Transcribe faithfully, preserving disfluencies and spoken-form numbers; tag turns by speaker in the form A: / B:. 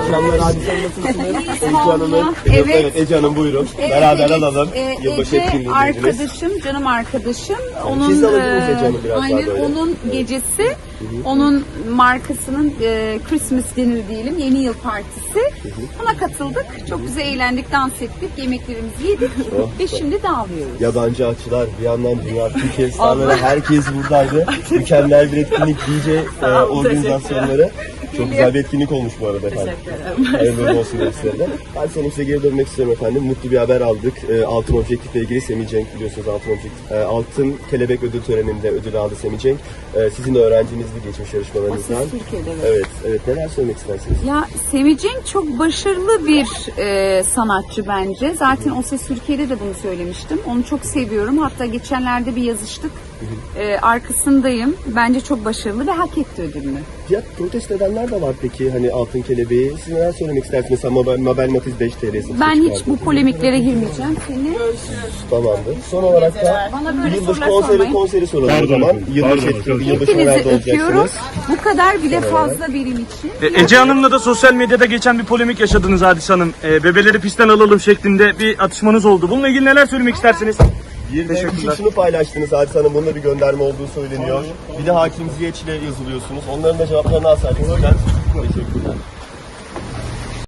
A: akşamlar Hadise Hanım, nasılsınız? Ece Hanım'ın,
B: Evet.
A: evet Ece Hanım buyurun.
B: Evet,
A: Beraber
B: evet.
A: alalım.
B: Ee,
A: Yılbaşı
B: Ece
A: etkinliği
B: arkadaşım, canım arkadaşım. Onun
A: siz de alabilir miyiz
B: e,
A: Ece Hanım biraz daha
B: aynen
A: böyle?
B: onun gecesi, onun markasının e, Christmas dinner diyelim, yeni yıl partisi. Ona katıldık. Çok güzel eğlendik, dans ettik, yemeklerimizi yedik
A: Oh,
B: ve şimdi dağılıyoruz.
A: Yabancı açılar, bir yandan dünya Türkiye starları, herkes buradaydı. Mükemmel bir etkinlik, D J e, organizasyonları. Çok güzel bir etkinlik olmuş bu arada efendim. Hayırlı uğurlu olsun sizlere de. Ben senin size geri dönmek istiyorum efendim. Mutlu bir haber aldık. E, Altın Objektif ile ilgili Semih Cenk, biliyorsunuz Altın Objektif. E, Altın Kelebek ödül töreninde ödül aldı Semih Cenk. E, sizin de öğrencinizdi geçmiş yarışmalarınızdan.
B: O Ses Türkiye'de, evet.
A: Evet, evet. Neler söylemek istersiniz?
B: Ya Semih Cenk çok başarılı bir e, sanatçı bence. Zaten O Ses Türkiye'de de bunu söylemiştim. Onu çok seviyorum. Hatta geçenlerde bir yazıştık. E, arkasındayım. Bence çok başarılı ve hak etti ödülünü.
A: Ya protesto edenler de var peki hani Altın Kelebeği. Siz neler söylemek istersiniz? Mesela Mabel, Mabel Matiz beş T L'si.
B: Ben hiç bu polemiklere girmeyeceğim. Seni
A: Tamamdır. Son olarak da
B: Bana böyle
A: yılbaşı
B: sorular
A: konseri,
B: sormayın.
A: konseri soralım o
C: Pardon
A: zaman.
C: efendim,
A: Yılbaşı
C: pardon
A: etkinliği, yılbaşı
B: hepinizi
A: nerede
B: öpüyorum.
A: olacaksınız?
B: Bu kadar bile fazla benim için.
C: E, Ece Hanım'la da sosyal medyada geçen bir polemik yaşadınız Hadise Hanım. E, bebeleri pistten alalım şeklinde bir atışmanız oldu. Bununla ilgili neler söylemek istersiniz?
A: Bir de
C: Teşekkürler.
A: küçük şunu paylaştınız Hadise Hanım. Bunda bir gönderme olduğu söyleniyor. Bir de Hakim Ziyeç ile yazılıyorsunuz. Onların da cevaplarını alsaydık sizden. Teşekkürler.